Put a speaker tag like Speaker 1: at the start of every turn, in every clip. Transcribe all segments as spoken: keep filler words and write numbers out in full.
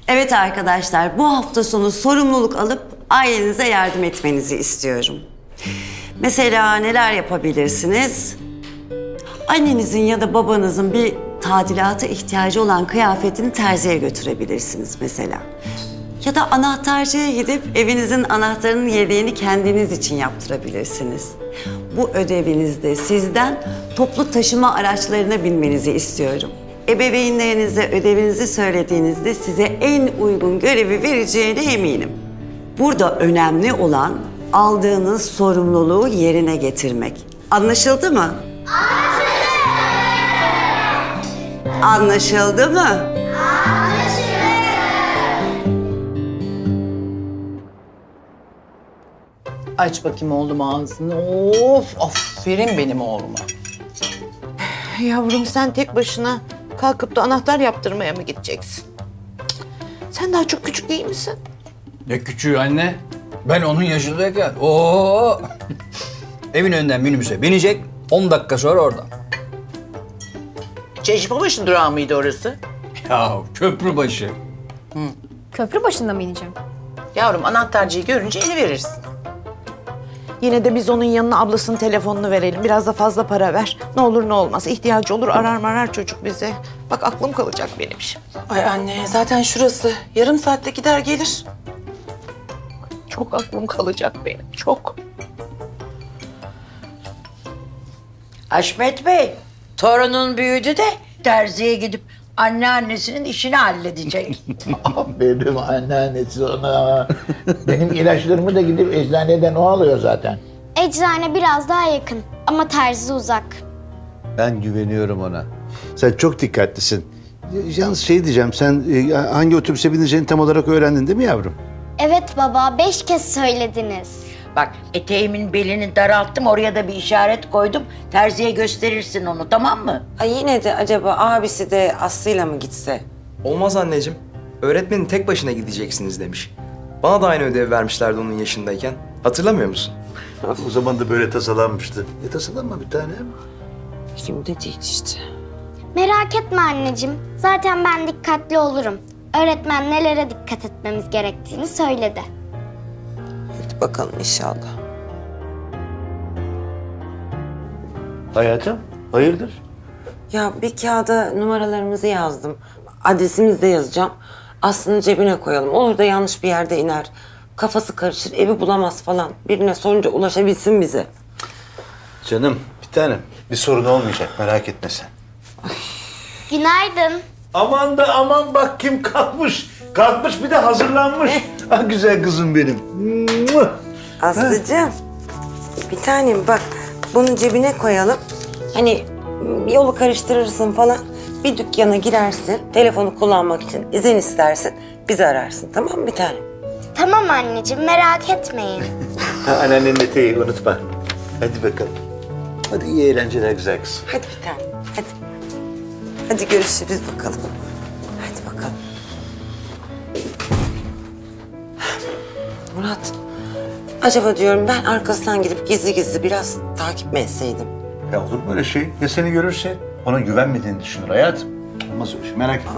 Speaker 1: Evet arkadaşlar, bu hafta sonu sorumluluk alıp ailenize yardım etmenizi istiyorum. Mesela neler yapabilirsiniz? Annenizin ya da babanızın bir tadilata ihtiyacı olan kıyafetini terziye götürebilirsiniz mesela. Ya da anahtarcıya gidip evinizin anahtarının yedeğini kendiniz için yaptırabilirsiniz. Bu ödevinizde sizden toplu taşıma araçlarına binmenizi istiyorum. Ebeveynlerinize ödevinizi söylediğinizde size en uygun görevi vereceğine eminim. Burada önemli olan aldığınız sorumluluğu yerine getirmek. Anlaşıldı mı? Anlaşıldı. Anlaşıldı mı?
Speaker 2: Aç bakayım oğlum ağzını. Of, aferin benim oğluma.
Speaker 3: Yavrum sen tek başına kalkıp da anahtar yaptırmaya mı gideceksin? Sen daha çok küçük değil misin?
Speaker 4: Ne küçüğü anne? Ben onun yaşındayken. Oo! Evin önünden minibüse binecek, on dakika sonra orada.
Speaker 3: Çeşmebaşı durağı mıydı orası?
Speaker 4: Ya köprü başı.
Speaker 5: Köprü başında mı ineceğim?
Speaker 3: Yavrum anahtarcıyı görünce eli verirsin. Yine de biz onun yanına ablasının telefonunu verelim. Biraz da fazla para ver. Ne olur ne olmaz. İhtiyacı olur arar marar çocuk bize. Bak aklım kalacak benim şimdi.
Speaker 2: Ay anne zaten şurası. Yarım saatte gider gelir.
Speaker 3: Çok aklım kalacak benim. Çok.
Speaker 6: Haşmet Bey, torunun büyüdü de terziye gidip anneannesinin işini halledecek.
Speaker 7: Benim anneannesi ona. Benim ilaçlarımı da gidip eczaneden o alıyor zaten.
Speaker 8: Eczane biraz daha yakın ama terzi uzak.
Speaker 9: Ben güveniyorum ona. Sen çok dikkatlisin. Yalnız şey diyeceğim, sen e, hangi otobüse bineceğini tam olarak öğrendin değil mi yavrum?
Speaker 8: Evet baba, beş kez söylediniz.
Speaker 6: Bak eteğimin belini daralttım, oraya da bir işaret koydum. Terziye gösterirsin onu, tamam mı?
Speaker 1: Ay yine de acaba abisi de Aslı'yla mı gitse?
Speaker 10: Olmaz anneciğim. Öğretmenin tek başına gideceksiniz demiş. Bana da aynı ödevi vermişlerdi onun yaşındayken. Hatırlamıyor musun?
Speaker 9: O zaman da böyle tasalanmıştı. E tasalanma bir tanem.
Speaker 1: Şimdi değil işte.
Speaker 8: Merak etme anneciğim, zaten ben dikkatli olurum. Öğretmen nelere dikkat etmemiz gerektiğini söyledi.
Speaker 1: Hadi bakalım inşallah.
Speaker 9: Hayatım, hayırdır?
Speaker 1: Ya bir kağıda numaralarımızı yazdım. Adresimizi de yazacağım. Aslı'nın cebine koyalım. Olur da yanlış bir yerde iner. Kafası karışır, evi bulamaz falan. Birine sorunca ulaşabilsin bize.
Speaker 9: Canım, bir tanem. Bir sorun olmayacak, merak etme sen.
Speaker 8: Günaydın.
Speaker 9: Aman da aman bak kim kalkmış. Kalkmış bir de hazırlanmış. Ah güzel kızım benim.
Speaker 1: Aslıcığım, bir tanem bak bunu cebine koyalım. Hani yolu karıştırırsın falan. Bir dükkana girersin, telefonu kullanmak için izin istersin. Bizi ararsın, tamam mı bir tanem?
Speaker 8: Tamam anneciğim, merak etmeyin.
Speaker 9: Ha, anneannenin eteği unutma. Hadi bakalım. Hadi iyi eğlenceler güzel kızım.
Speaker 1: Hadi bir tanem, hadi. Hadi görüşürüz bakalım. Hadi bakalım. Murat, acaba diyorum ben arkasından gidip gizli gizli biraz takip mi etseydim?
Speaker 9: Ya olur mu öyle şey? Ya seni görürse ona güvenmediğini düşünür hayatım. Olmaz öyle şey, merak etme.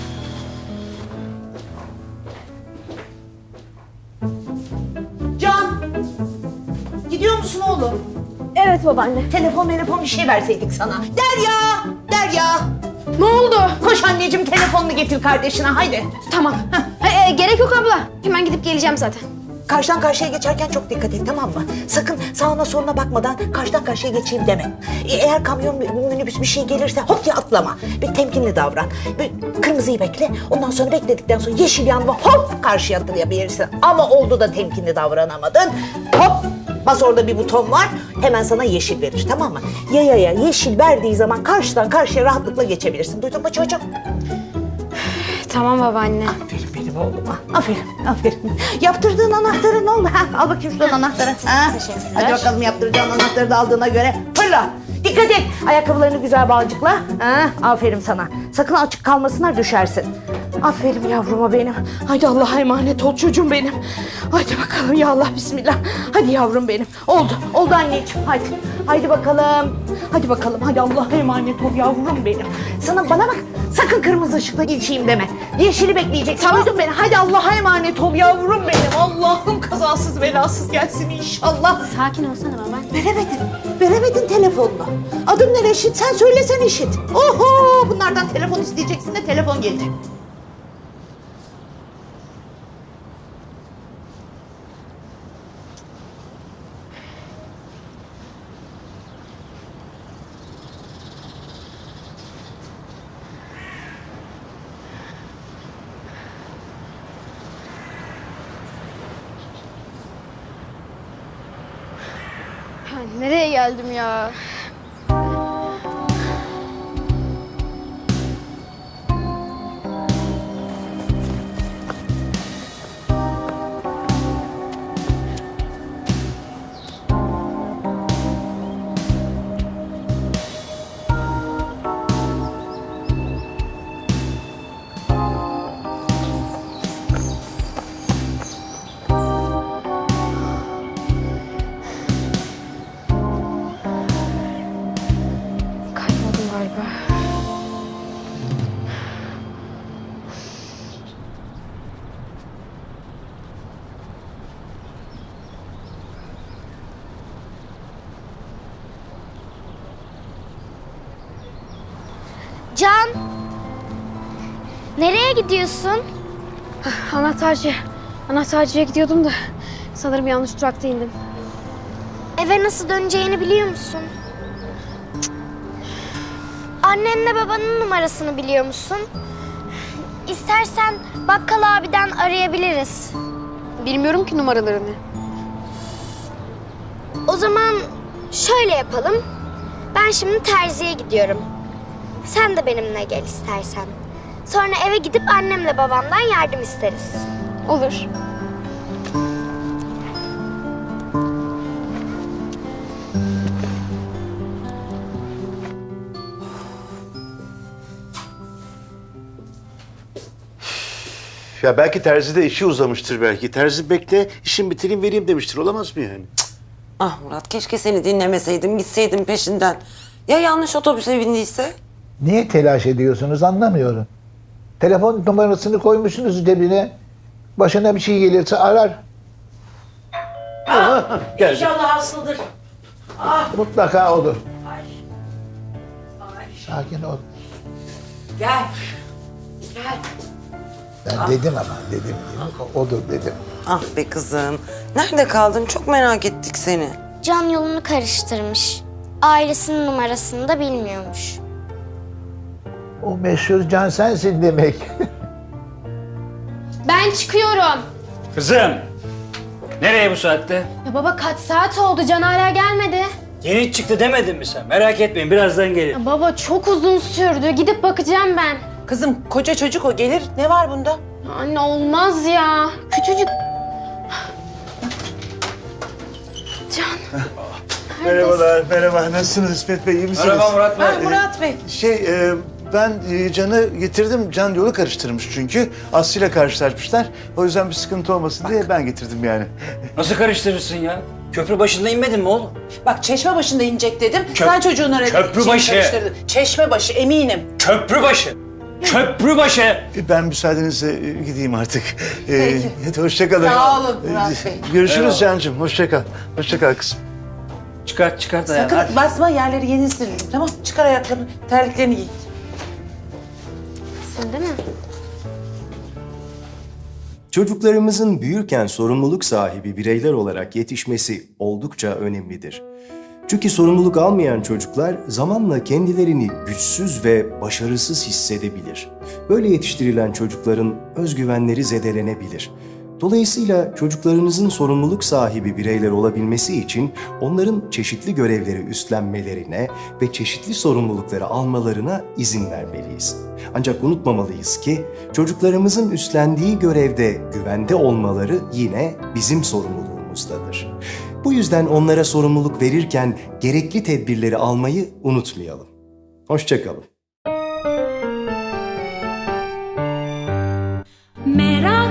Speaker 3: Can! Gidiyor musun oğlum?
Speaker 5: Evet babaanne.
Speaker 3: Telefon telefon bir şey verseydik sana. Derya! Derya!
Speaker 5: Ne oldu?
Speaker 3: Koş anneciğim telefonunu getir kardeşine haydi.
Speaker 5: Tamam. Ha, e, gerek yok abla. Hemen gidip geleceğim zaten.
Speaker 3: Karşıdan karşıya geçerken çok dikkat et tamam mı? Sakın sağına soluna bakmadan karşıdan karşıya geçeyim deme. E, eğer kamyon, minibüs bir şey gelirse hop diye atlama. Bir temkinli davran. Bir kırmızıyı bekle. Ondan sonra bekledikten sonra yeşil yanma hop karşıya atlayabilirsin. Ama oldu da temkinli davranamadın. Hop bas orada bir buton var. Hemen sana yeşil verir tamam mı? Yayaya yeşil verdiği zaman karşıdan karşıya rahatlıkla geçebilirsin. Duydun mu çocuğum?
Speaker 5: Tamam babaanne.
Speaker 3: Aferin benim oğluma. Aferin, aferin. Yaptırdığın anahtarı ne oldu? Ha, al bakayım şuradan anahtarı. Ha? Hadi bakalım yaptıracağın anahtarı da aldığına göre. Fırla. Dikkat et. Ayakkabılarını güzel bağcıkla. Ha? Aferin sana. Sakın açık kalmasınlar düşersin. Aferin yavruma benim. Hadi Allah'a emanet ol çocuğum benim. Hadi bakalım ya Allah bismillah. Hadi yavrum benim. Oldu. Oldu anneciğim. Hadi. Hadi bakalım. Hadi bakalım. Hadi Allah'a emanet ol yavrum benim. Sana bana bak. Sakın kırmızı ışıkta geçeyim deme. Yeşili bekleyeceksin. Duydun beni. Hadi Allah'a emanet ol yavrum benim. Allah'ım kazasız belasız gelsin inşallah.
Speaker 5: Sakin olsana baba.
Speaker 3: Veremedin. Veremedin telefonunu. Adım ne Reşit? Sen söylesen işit. Oho! Bunlardan telefon isteyeceksin de telefon gelecek.
Speaker 5: Ya nereye geldim ya? Kayboldum galiba.
Speaker 8: Can! Nereye gidiyorsun?
Speaker 5: Anahtarcı. Anahtarcıya gidiyordum da sanırım yanlış durakta indim.
Speaker 8: Eve nasıl döneceğini biliyor musun? Annenle babanın numarasını biliyor musun? İstersen bakkal abiden arayabiliriz.
Speaker 5: Bilmiyorum ki numaralarını.
Speaker 8: O zaman şöyle yapalım. Ben şimdi terziye gidiyorum. Sen de benimle gel istersen. Sonra eve gidip annemle babamdan yardım isteriz.
Speaker 5: Olur.
Speaker 9: Ya belki terzide işi uzamıştır belki. Terzi bekle, işin bitireyim vereyim demiştir. Olamaz mı yani?
Speaker 1: Ah Murat, keşke seni dinlemeseydim, gitseydim peşinden. Ya yanlış otobüse bindiyse?
Speaker 7: Niye telaş ediyorsunuz anlamıyorum. Telefon numarasını koymuşsunuz cebine. Başına bir şey gelirse arar.
Speaker 9: Geldi.
Speaker 3: İnşallah aslıdır.
Speaker 7: Mutlaka olur. Sakin ol.
Speaker 1: Gel. Gel.
Speaker 7: Ben dedim ama dedim. dedim. Odur dedim.
Speaker 1: Ah be kızım. Nerede kaldın? Çok merak ettik seni.
Speaker 8: Can yolunu karıştırmış. Ailesinin numarasını da bilmiyormuş.
Speaker 7: O meşhur Can sensin demek.
Speaker 5: Ben çıkıyorum.
Speaker 4: Kızım. Nereye bu saatte?
Speaker 5: Ya baba kaç saat oldu? Can hala gelmedi.
Speaker 4: Yeni çıktı demedin mi sen? Merak etmeyin birazdan gelir.
Speaker 5: Ya baba çok uzun sürdü. Gidip bakacağım ben.
Speaker 2: Kızım koca çocuk o gelir. Ne var bunda?
Speaker 5: Ya anne olmaz ya. Küçücük. Can.
Speaker 9: Merhabalar, merhaba. Nasılsınız İsmet Bey, iyi misiniz?
Speaker 4: Merhaba Murat Bey.
Speaker 2: Ha, Murat Bey.
Speaker 9: Şey, e, ben e, Can'ı getirdim. Can yolu karıştırmış çünkü. Aslı ile karşılaşmışlar. O yüzden bir sıkıntı olmasın diye ben getirdim yani.
Speaker 4: Nasıl karıştırırsın ya? Köprü başında inmedin mi oğlum?
Speaker 2: Bak çeşme başında inecek dedim.
Speaker 4: Köp-
Speaker 2: Sen çocuğun arada
Speaker 4: Köprübaşı.
Speaker 2: Çeşme başı eminim.
Speaker 4: Köprü başı. Köprü başı.
Speaker 9: E, Ben müsaadenizle e, gideyim artık. E,
Speaker 2: Peki.
Speaker 9: Hadi hoşça kalın.
Speaker 2: Sağ olun Murat Bey.
Speaker 9: Görüşürüz
Speaker 4: Eyvallah.
Speaker 9: Can'cığım. Hoşça kal. Hoşça kal kızım.
Speaker 4: Çıkart çıkart ayağını.
Speaker 2: Sakın
Speaker 4: hadi.
Speaker 2: basma yerleri yeni sildim tamam. Çıkar ayakkabını, terliklerini giy.
Speaker 5: Sen değil mi?
Speaker 11: Çocuklarımızın büyürken sorumluluk sahibi bireyler olarak yetişmesi oldukça önemlidir. Çünkü sorumluluk almayan çocuklar zamanla kendilerini güçsüz ve başarısız hissedebilir. Böyle yetiştirilen çocukların özgüvenleri zedelenebilir. Dolayısıyla çocuklarınızın sorumluluk sahibi bireyler olabilmesi için onların çeşitli görevleri üstlenmelerine ve çeşitli sorumlulukları almalarına izin vermeliyiz. Ancak unutmamalıyız ki çocuklarımızın üstlendiği görevde güvende olmaları yine bizim sorumluluğumuzdadır. Bu yüzden onlara sorumluluk verirken gerekli tedbirleri almayı unutmayalım. Hoşça kalın.
Speaker 12: Merak